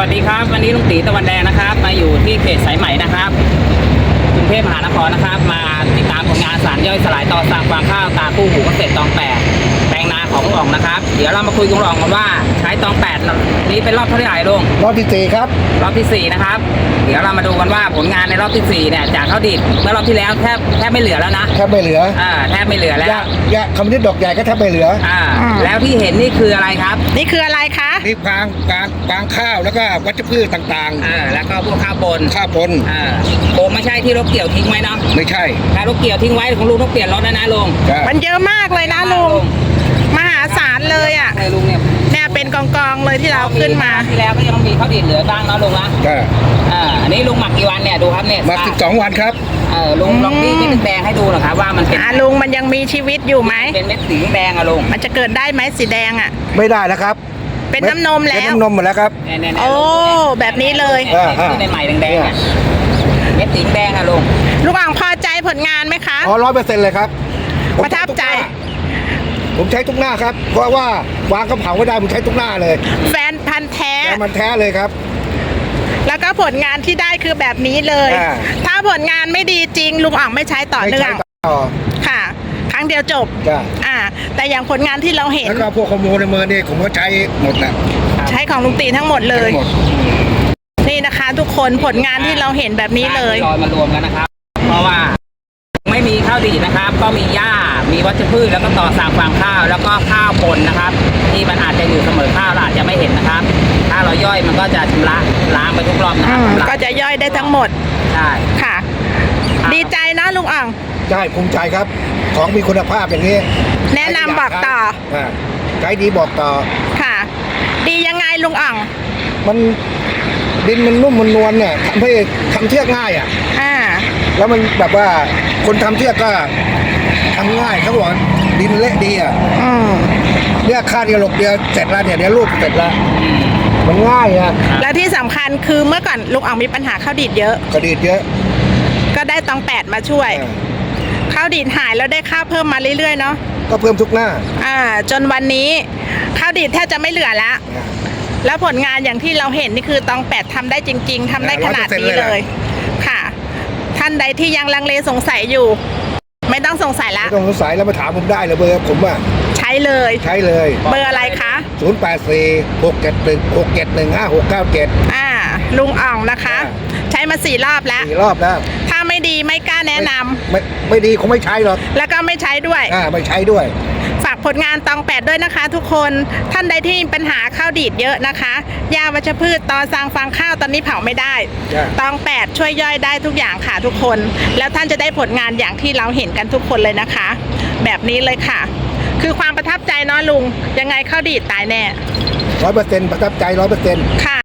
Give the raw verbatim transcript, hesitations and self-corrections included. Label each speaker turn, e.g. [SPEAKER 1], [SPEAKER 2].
[SPEAKER 1] วัสดีครับวันนี้ลุงตีตะวันแดงนะครับมาอยู่ที่เขตสายไหมนะครับกรุงเทพมหานครนะครับมาติดตามผลงานสารย่อยสลายต่อสั่งฟางข้าวตาคู่หูเกษตรตองแปดแปลงนาของลุงอ่องนะครับเดี๋ยวเรามาคุยกับลุงอ่องกันว่าใช้ตองแปดนี้เป็นรอบเท่าไหร่ลุง
[SPEAKER 2] รอบที่สี่ครับ
[SPEAKER 1] รอบที่สี่นะครับเดี๋ยวเรามาดูกันว่าผลงานในรอบที่สี่เนี่ยจากข้าวดิบเมื่อรอบที่แล้วแทบแทบไม่เหลือแล้วนะ
[SPEAKER 2] แทบไม่เหลือ
[SPEAKER 1] อ่าแทบไม่เหลือแล้ว
[SPEAKER 2] ยะคำนิดดอกใหญ่ก็แทบไม่เหลือ
[SPEAKER 1] อ่าแล้วที่เห็นนี่คืออะไรครับ
[SPEAKER 3] นี่คืออะไรคะ
[SPEAKER 2] นี่ฟางฟางฟางข้าวแล้วก็วัชพืชต่าง
[SPEAKER 1] ๆอ่าแล้วก็พวกข้าวปน
[SPEAKER 2] ข้าวปน
[SPEAKER 1] อ่าโอ้ไม่ใช่ที่รถเกี่ยวทิ้งไว้เนาะ
[SPEAKER 2] ไม่ใช่
[SPEAKER 1] ถ้ารถเกี่ยวทิ้งไว้ของลุงต้องเปลี่ยนรถนะนะลุง
[SPEAKER 3] มันเยอะมากเลยนะลุงมหาศาลเลยอ่ะ
[SPEAKER 1] ลุงเนี่ย
[SPEAKER 3] เนี่ยเป็นกองๆเลยที่เราขึ้นมา
[SPEAKER 1] ที่แล้วก็ยังมีข้าวดิบเหลือบ้างเนาะลุงนะ
[SPEAKER 2] ใช่
[SPEAKER 1] อ่าอันนี้ลุงหมักกี่วันเนี่ยดูครับเนี่ย
[SPEAKER 2] หมักสิบสองวันครับ
[SPEAKER 1] เออลุงลองบี้เม็ดแดงให้ดูหน่อยครับว่ามันเป็น
[SPEAKER 3] อ่าลุงมันยังมีชีวิตอยู่ไหม
[SPEAKER 1] เป็นเม็ดสีแดงอะลุง
[SPEAKER 3] มันจะเกิดได้ไหมสีแดงอ่ะ
[SPEAKER 2] ไม่ได้แล้วครับ
[SPEAKER 3] เป็นน้ำนมแล้ว
[SPEAKER 2] เป็นน้ำนมหมดแล้วครับ
[SPEAKER 3] โอ้แบบนี้เลย
[SPEAKER 1] ที่ในใหม่แดงๆอ่ะเม็ดสีแดงอะลุง
[SPEAKER 3] ลุงอ่างพอใจผลงานไหมคะ
[SPEAKER 2] อ๋อร้อยเปอร์เซ็นต์เลยครับ
[SPEAKER 3] ประทับใจ
[SPEAKER 2] ผมใช้ทุกหน้าครับเพราะว่าวางกระเผาไม่ได้ผมใช้ทุกหน้าเลย
[SPEAKER 3] แฟนพันธุ์แท้
[SPEAKER 2] แฟนพันธุ์แท้เลยครับ
[SPEAKER 3] แล้วก็ผลงานที่ได้คือแบบนี้เลย ถ้าผลงานไม่ดีจริงลุงอ่างไม่ใช้ต่อเนื่องค่ะครั้งเดียวจบอ่าแต่อย่างผลงานที่เราเห็น
[SPEAKER 2] แล้วก็พวกข้อมูลในมือนี่ผมก็ใช้หมดนะ
[SPEAKER 3] ใช้ของลุงตีทั้งหมดเลยนี่นะคะทุกคนผลงานที่เราเห็นแบบนี้เลย
[SPEAKER 1] ลอยมารวมกันนะครับเพราะว่าไม่มีข้าวดีนะครับก็มีหญ้ามีวัชพืชแล้วก็ต่อสั่งฟางข้าวแล้วก็ข้าวปนนะครับที่มันอาจจะอยู่เสมอข้าวเราอาจจะไม่เห็นนะครับถ้าเราย่อยมันก็จะชำระล้างไปทุกรอบนะครับ
[SPEAKER 3] ก็จะย่อยได้ทั้งหมด
[SPEAKER 1] ใช่
[SPEAKER 3] ค่ะดีใจนะลุงอ่าง
[SPEAKER 2] ใช่ภูมิใจครับของมีคุณภาพอย่างนี้
[SPEAKER 3] แนะนำบอกต่อ
[SPEAKER 2] ใช้ดีบอกต่อ
[SPEAKER 3] ค่ะดียังไงลุงอ่าง
[SPEAKER 2] มันดินมันนุ่มมันนวลเนี่ยทำให้ทำเชือกง่ายอ่ะ
[SPEAKER 3] อ่า
[SPEAKER 2] แล้วมันแบบว่าคนทำเชือกก็ทำง่ายเขาบอกดินเละดีอ่ะเนี่ยคาดกระโหลกเดียวเสร็จแล้วเนี่ยเดี๋ยวรูปเสร็จแล้วมันง่ายอ่ะ
[SPEAKER 3] แล้วที่สำคัญคือเมื่อก่อนลุงอ่างมีปัญหาข้าวดีดเยอะ
[SPEAKER 2] ข้าวดีดเยอะ
[SPEAKER 3] ก็ได้ตองแปดมาช่วยข้าวดีดหายแล้วได้ข้าวเพิ่มมาเรื่อยๆเนาะ
[SPEAKER 2] ก็เพิ่มทุกหน้า
[SPEAKER 3] อ่าจนวันนี้ข้าวดีดแทบจะไม่เหลือแล้วแล้วผลงานอย่างที่เราเห็นนี่คือตองแปดทำได้จริงๆทำได้ขนาดนี้เลยค่ะท่านใดที่ยังลังเลสงสัยอยู่ไม่ต้องสงสัยละ
[SPEAKER 2] ไม่ต้องสงสัยแล้วมาถามผมได้เลยเบอร์ผมอ่ะ
[SPEAKER 3] ใช้เลย
[SPEAKER 2] ใช้เลย
[SPEAKER 3] เบอร์อะไรคะ
[SPEAKER 2] ศูนย์แปดสี่หกเจ็ดหนึ่งหกเจ็ดหนึ่งห้าหกเก้าเจ็ด
[SPEAKER 3] อ่าลุงอ่องนะคะใช้มาสี่รอบแล้ว
[SPEAKER 2] สี่รอบแล้ว
[SPEAKER 3] ถ้าไม่ดีไม่กล้าแนะนำ
[SPEAKER 2] ไม่ไม่ดีคงไม่ใช้หรอก
[SPEAKER 3] แล้วก็ไม่ใช้ด้วย
[SPEAKER 2] อ่าไม่ใช้ด้วย
[SPEAKER 3] ฝากผลงานตองแปดด้วยนะคะทุกคนท่านใดที่มีปัญหาข้าวดีดเยอะนะคะยาวัชพืชตอสั่งฟางข้าวตอนนี้เผาไม่ได้ตองแปดช่วยย่อยได้ทุกอย่างค่ะทุกคนแล้วท่านจะได้ผลงานอย่างที่เราเห็นกันทุกคนเลยนะคะแบบนี้เลยค่ะคือความประทับใจเนาะลุงยังไงข้าวดีดตายแน่
[SPEAKER 2] ร้อยเปอร์เซ็นต์ประทับใจร้อยเปอร์เซ็นต์
[SPEAKER 3] ค่ะ